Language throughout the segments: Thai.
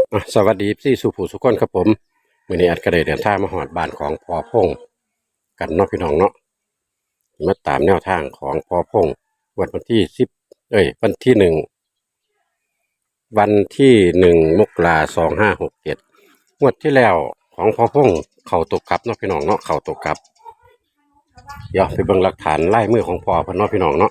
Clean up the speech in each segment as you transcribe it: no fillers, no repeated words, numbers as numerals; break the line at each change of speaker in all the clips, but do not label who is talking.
สวัสดีพี่สุผู้สุขคนครับผมมื้อนี้อัดก็ได้เดินทางมาฮอดบ้านของพ่อพงษ์กันเนาะพี่น้องเนาะมาตามแนวทางของพ่อพงษ์วันที่วันที่หนึ่งมกรา2567งวดที่แล้วของพ่อพงษ์เข้าตกกลับเนาะพี่น้องเนาะเข้าตกกลับเดี๋ยวไปเบิ่งหลักฐานลายมือของพ่อเพิ่นเนาะพี่น้องเนาะ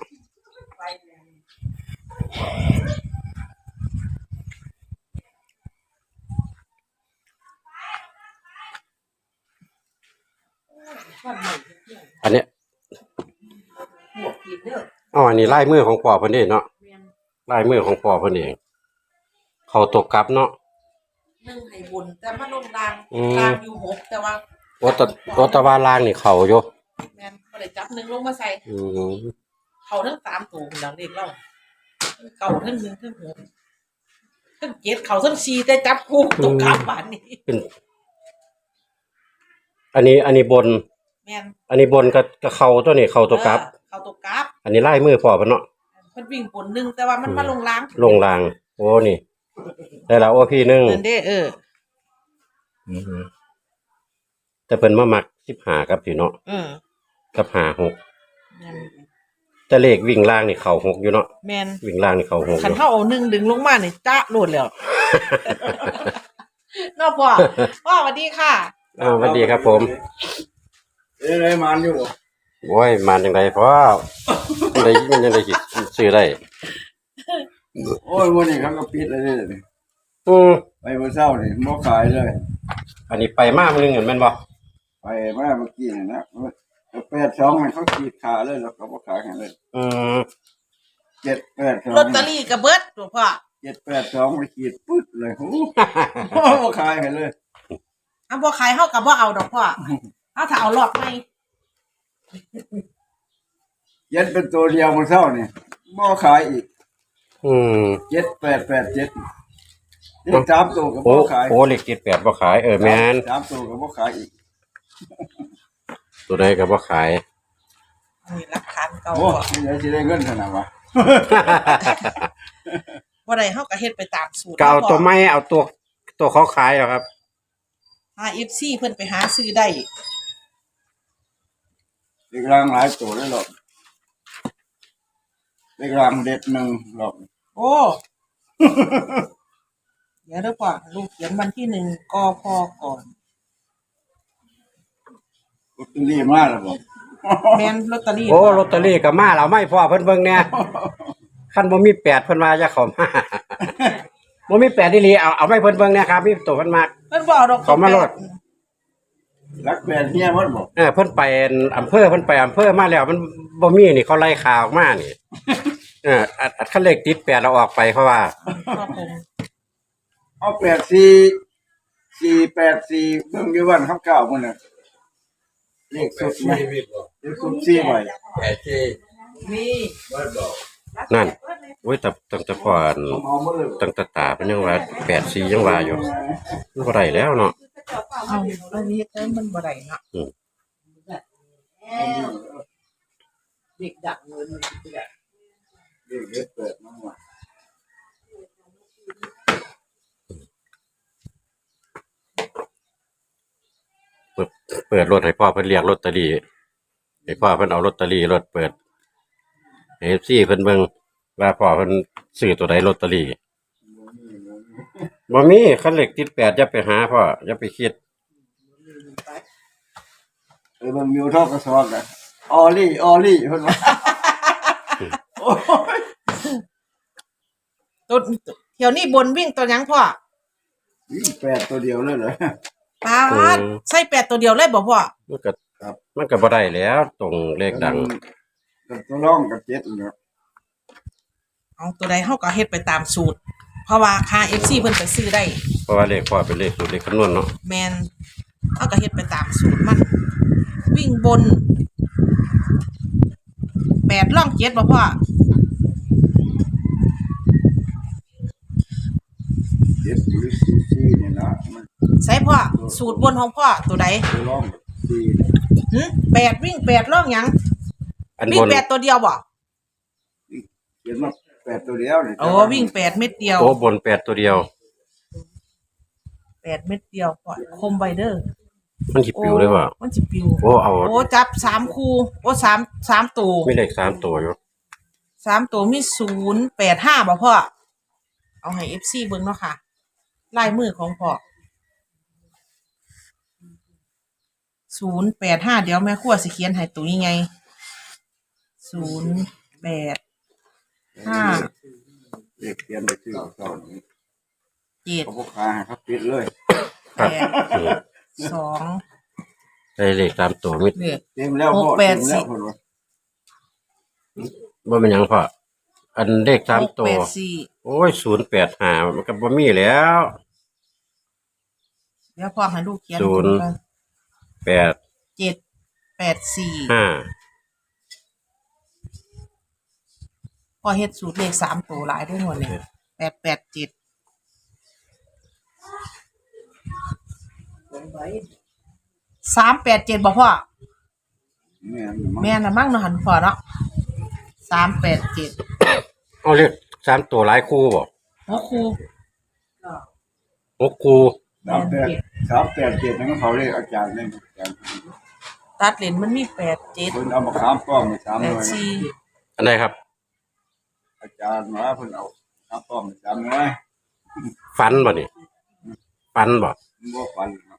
อันนี้อันนี้ลายมือของพ่อเพิ่นเด้เนาะลายมือของพ่อเพิ่นเองเข้าตกกลับเนาะ
นึ่งไห้บุญแต่มาลงรางอยู่6แต่ว่า
โอตะวาลางนี่เข้าอยู่
แม่นบ่ได้จับหนึ่งลงมาใส่เขาทั้ง3ตัวดังเด็กเล่าเก่าทั้ง1ทั้ง6ทั้ง7เขาทั้ง4แต่จับคู่ตกกลับบ้านนี้
เป็นอันนี้บน
แม่น
อันนี้บนก็เข้าตัวนี้เข้าตัวกลับ
เขาตกกลับ
อันนี้ลายมือพ่อเพิ่นเนาะ
เพิ่นวิ่งบน1แต่ว่ามันมาลงราง
โอ้นี่ได้แล้วโอ้พี่นึง
นั่นเด้
แต่เพิ่นมามัก15ครับพี่เนาะกับ56
แม่น
แต่เลขวิ่งล่างนี่เข้า6อยู่เนาะ
แม่น
วิ่งล่างนี่เข้า6
คันเฮาเอา1ดึงลงมานี่จ๊ะโลดแล้วเนาะพ่อสวัสดีค่ะ
สวัสดีครับผม
ได้มานอยู่
โอ้ยมาจังได๋พ่อได้มันยังได้สิซื้อได้
โอ้ยวันนี้เขาก็ปิดเลยนี่ไปเมื่อเช้านี่บ่ขายเลย
อันนี้ไปมามื้อนึงเห็นแม่นบ่
ไปมาเมื่อกี้นี่นะ82มันเขาขีดขาเลยแล้วก็บ่ขายให้เลย782
ลอตเตอรี่ก็เบิดตัวพ่อ
782ไปขีดปึ๊ดเลยโอ้บ่ขายให้เลย
บ่ขายเฮาก็บ่เอาดอกพ่อเฮาถ้าเอารอบใหม่
ยันเป็นตัวเดียวเมื่อเช้านี่บ่ขายอีก7887นี่3ตัวก็บ่ขาย
โอ้เลข78บ่ขายแม่น
3ตัวก็บ่ขายอีก
ตัวใดก็บ่ขาย
นี่หลักฐานเก่า
โอ้ยสิได้เงินเท่านั้นวะ
บ่ได้เฮาก็เฮ็ดไปตามสูตร
ก็เอาตัวใหม่เอาตัวเขาขายเหรอครับ
FC เพิ่นไปหาซื้อได้
เด็กรางหลายตัวเลยหรอกเด็กรางเด็ดหนึ่งหรอก
โอ้เดี๋ยวเด้อพ่อลูกเขียนวันที่1กพก่อน
ลอตเตอรี่มาแล้วบ่
แม่นลอตเตอรี่
โอ้ลอตเตอรี่ก็มาแล้วไม่พอเพิ่นเบิ่งแน่คันบ่มี8เพิ่นว่าจะเข้ามาบ่มี8อีหลีเอาไม่เพิ่นเบิ่งแน่ครับมีตัวเพิ่นมาก
เพิ่นบ่เอาดอก
เขามาโลด
รักแม่เฮียมันบ่
เพิ่นไปอำเภอมาแล้วมันบ่มีนี่เขาไล่ข่าวออกมานี่คันเลขติด8เราออกไปเพราะว่า
เอา84 484เบิ่งอยู่วันเขาเก่าพุ่นน่ะเลขสุดมั้ยเลขสุด4ใบ
84มี
บ่บอก
นั่นโอ้ยแต่ตั้งแต่ก่อนตั้งแต่ตาเป็นยังว่า84ยังว่าอยู่มันบ่ได้แล้วเนาะ
เอาอันนี้แต่มันบ่ได้เนาะเด็กดักเงิน
เด็กเปิดมาว่า
เปิดรถให้พ่อเพิ่นเรียกลอตเตอรี่ให้พ่อเพิ่นเอาลอตเตอรี่รถเปิดFC เพิ่นเบิ่งว่าพ่อเพิ่นซื้อตัวใดลอตเตอรี่บ่มีคันเลขติด8อย่าไปหาพ่ออย่าไปคิด
เบิ่งมิวทอกกระสอบอ่ะออลี่เพิ่นว่าโอ้ย
ตัวเที่ยวนี้บนวิ่งตัวหยังพ่อ
วิ่ง8ตัวเดียวเลยเหรอ
ปาดใส่8ตัวเดียวเลยบ่พ่อ
มันก็บ่ได้แล้วตรงเลขดัง
กับตัวร่องกับ7เนาะ
เอาตัวใดเฮาก็เฮ็ดไปตามสูตรเพราะว่าค่า FC เพิ่นไปซื้อได้
เพราะว่าเลขพ่อเป็นเลขสูตรเลขคำนวณเนาะ
แม่นเฮาก็เฮ็ดไปตามสูตรมันวิ่งบน8ร่อง7บ่พ่อ
7หรือ4นี่นะ
ใส่พ่อสูตรบนของพ่อตัวใด
ร่อง4
8วิ่ง8ร่องหยังวิ่ง8ตัวเดียวบ่
เขียนมา8ตัวเดียวนี่
โอ้วิ่ง8เม็ดเดียว
โอ้บน8ตัวเดียว
8 เม็ดเดียวพอคมไวเดอร์
มันสิปิวเลยบ่
มันสิปิว
โอ้เอา
โอ้จับ3คู่โอ้3ตัว
มีเลข3ตัวอยู่
3ตัวมี085บ่พ่อเอาให้ FC เบิ่งเนาะค่ะลายมือของพ่อ085เดี๋ยวแม่ครัวสิเขียนให้ตัวยังไง085
เด็กเรียนไปซื้อสอน
7
เขาบอกขายครับปิดเลย
8 2
ได้เลข3ตัวมี
เนี่ย
เต็มแล้วพ่อ
6 8
เต็มแล้วพ่อว่า
บ่เป็นหยังพ่ออันเลข3ตัว
684
โอ้ย085มันก็บ่มีแล้ว
เดี๋ยวพ่อให้ลูกเขียน
ศูนย์ 8
784
5
พ่อเฮ็ดสูตรเลข3ตัวหลายด้วยหมดเลย887 387บ่พ่อ
แม่นมั้ง
แม่นน่ะมั่งเนาะหันพ่อเนาะ387
เอาเลข3ตัวหลายคู่บ่
โอ้ครู
6คู่
387นั่นเขาเรียกอาจารย์เล่นอาจารย์
ตัดเลนมันมี87
เพิ่นเอามาค้ามป้อมไป3หน่วย
84
อันไหนครับ
อาจารย์มาเพิ่นเอาค้ามป้อมไป3หน่วย
ฟันบ่นี่ฟันบ่
บ่ฟันครับ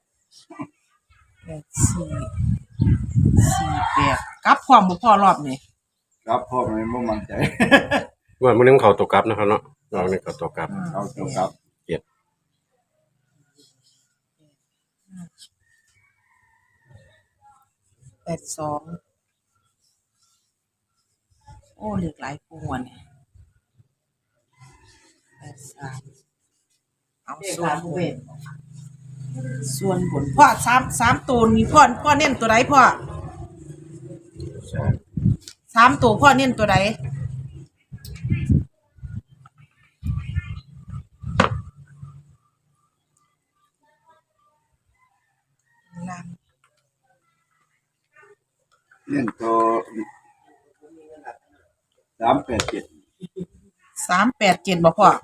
84 48กลับพร้อมบ่พ่อรอบนี้
ครับพ่อมันบ่มั่นใจ
ว่ามื้อนึงเขาตกกลับนะครับเนาะลองนี่เขาตกกลับ
เอาเจ้าครับ
82โอ้เหลือหลายคู่อ่ะเนี่ย83เอาส่วนบนพ่อ3ตัวนี้พ่อเน้นตัวใดพ่อ3ตัวพ่อเน้นตัวใดล่าง
เล่นตัว387
387บ่พ่อ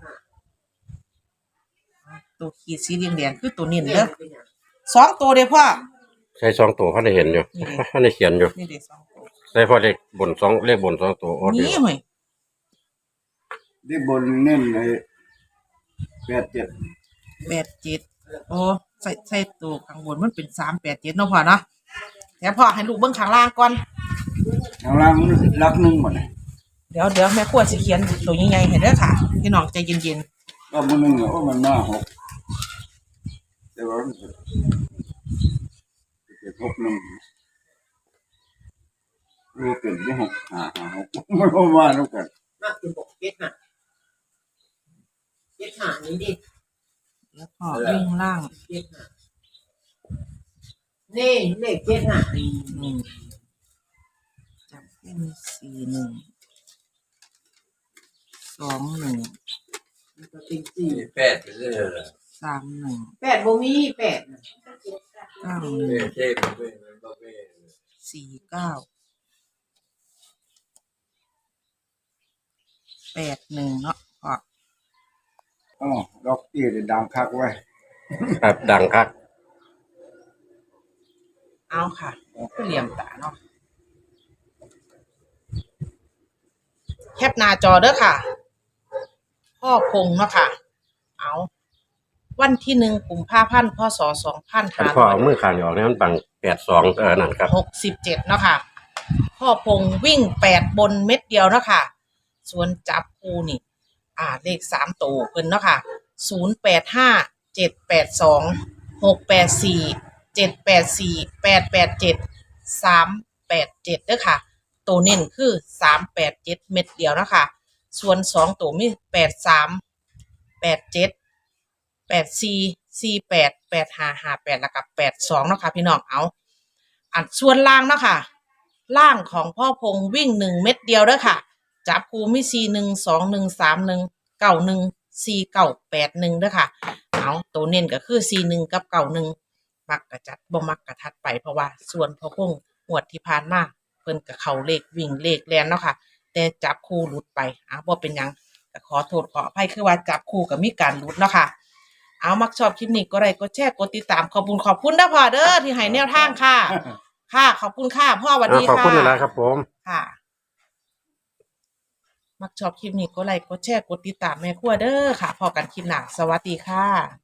ตัวขีดสีแดงๆคือตัวเน้นเด้อ2ตัวเด้อพ่อ
ใช้2ตัวเขาได้เห็นอยู่เขาได้เขียนอยู่
นี่เด้2ตัว
ใช้พอเลขบน2เลขบน2ตัวโอ้เดี
นี่
ยว
เว้ย
ที่บนเน้นไอ้87
87โอ้ใส่ตัวข้างบนมันเป็น387เนาะพ่อเนาะแต่พ่อให้ลูกเบิ่งข้างล่างก่อน
ข้างล่างมันรักหนึงหมดเลย
เดี๋ยวแม่ครัวสิเขียนตัวใหญ่ๆให้เด้อค่ะพี่น้องใจเย็น
ก็มื้อนึงโอ้มันมา6แต่ว่ามันเป็น6 1รู้เป็นที่6 5 6มันบ่มาแล้วกัน
มากคือบอกเก็ตหานี้ดิ
ๆแล้วพ่อวิ่งล่าง
เก็ตหานี่เลขเก็ตหา
จับเป็น41 21
มันก็เป็นสี่
แปดไปเลยเหรอ
31
แปดบ่มีแปดน่ะ
เท่
91
เท่มันเป็นมันก็เป็น
49 81เนาะพ่อ
อ๋อดอกตี้ได้ดังคักไว้
ครับดังครับ
เอาค่ะคือเหลี่ยมตาเนาะแคปหน้าจอเด้อค่ะ พ่อพงเนาะค่ะ เอาวันที่1กุมภาพันธ์พศ
คันพ่อเอามือข้างนี้ออกนี่มันบัง82นั่นครับ
2567เนาะค่ะ พ่อพงวิ่ง8บนเม็ดเดียวเนาะค่ะ ส่วนจับคู่นี่ เลข3ตัวเพิ่นเนาะค่ะ085 782 684 784 887 387เด้อค่ะ ตัวเน้นคือ387เม็ดเดียวเนาะค่ะส่วน2ตัวมี83 87 84 48 85 58แล้วก็82เนาะค่ะพี่น้องเอาอันส่วนล่างเนาะค่ะล่างของพ่อพงวิ่ง1เม็ดเดียวเด้อค่ะจับคู่มี41 21 31 91 49 81เด้อค่ะเอาตัวเน้นก็คือ41กับ91มักกะจัดบ่มักกะทัดไปเพราะว่าส่วนพ่อพงงวดที่ผ่านมาเพิ่นก็เข้าเลขวิ่งเลขแล่นเนาะค่ะแต่จับคู่หลุดไปบ่เป็นหยังก็ขอโทษขออภัยคือว่าจับคู่ก็มีการหลุดเนาะค่ะเอามักชอบคลิปนี้ก็ไลค์กดแชร์กดติดตามขอบคุณนะพ่อเด้อที่ให้แนวทางค่ะ ค่ะขอบคุณค่ะพ่อสวัสดี
ขอบ
ค่ะ
คุณนะครับผม
ค่ะ มักชอบคลิปนี้ก็ไลค์กดแชร์กดติดตามแม่ครัวเด้อค่ะพอกันคลิปหน้าสวัสดีค่ะ